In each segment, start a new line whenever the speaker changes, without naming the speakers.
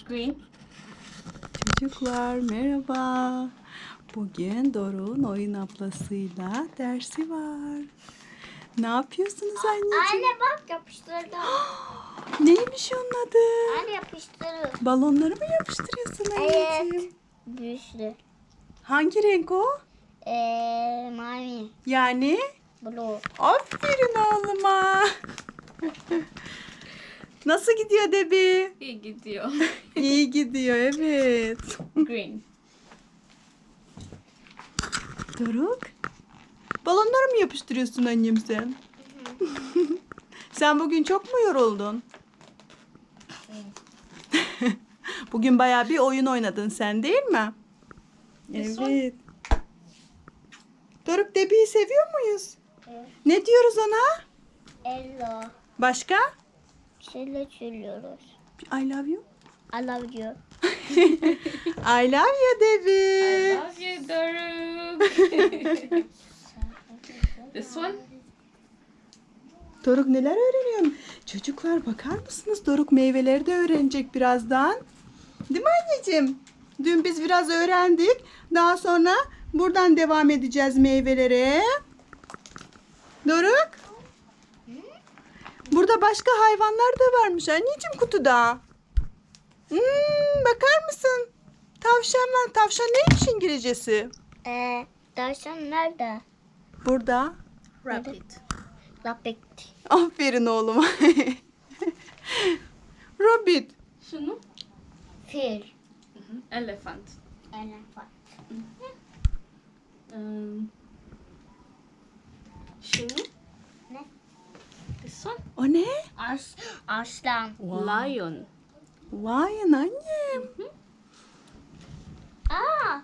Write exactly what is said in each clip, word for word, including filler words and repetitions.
Green.
Çocuklar merhaba. Bugün Doruk'un oyun ablasıyla dersi var. Ne yapıyorsunuz anneciğim?
Anne bak yapıştırdım.
Neymiş onun adı?
Anne yapıştırdım.
Balonları mı yapıştırıyorsun anneciğim?
Evet. Büyüsü.
Hangi renk o?
Eee mavi.
Yani?
Blue.
Aferin oğluma. Nasıl gidiyor Debi?
İyi gidiyor.
İyi gidiyor evet.
Green.
Doruk. Balonları mı yapıştırıyorsun annem sen? Sen bugün çok mu yoruldun? Bugün bayağı bir oyun oynadın sen değil mi?
This
Evet. Doruk Debi'yi seviyor muyuz?
Evet.
Ne diyoruz ona?
Hello.
Başka?
Şöyle söylüyoruz.
I love you.
I love you.
I love you
I
Debi.
love you, Doruk. This one?
Doruk neler öğreniyorsun? Çocuklar bakar mısınız? Doruk meyveleri de öğrenecek birazdan. Değil mi anneciğim? Dün biz biraz öğrendik. Daha sonra buradan devam edeceğiz meyvelere. Doruk. Burada başka hayvanlar da varmış anneciğim kutuda. Hmm, bakar mısın? Tavşan var. Tavşan neymiş İngilizcesi?
Eee tavşan nerede?
Burada.
Rabbit.
Lapik.
Aferin oğluma. Rabbit.
Şunu?
Fil.
Elephant.
Elefant.
Um, şunu?
Ne?
This one?
O ne?
As aslan.
Lion.
Vay annem.
Aa.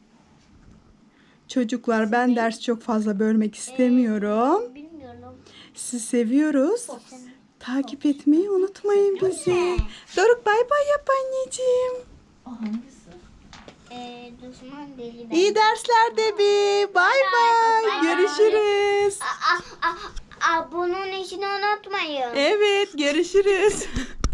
Çocuklar ben ders çok fazla bölmek istemiyorum.
Bilmiyorum.
Sizi seviyoruz. Takip etmeyi unutmayın bizi. Doruk bay bay yap anneciğim.
O hangisi?
Eee düşman deli ben.
İyi dersler Debi. Bay bay.
Bay bay.
Görüşürüz.
Aa, aa, aa, bunun işini unutmayın.
Evet görüşürüz.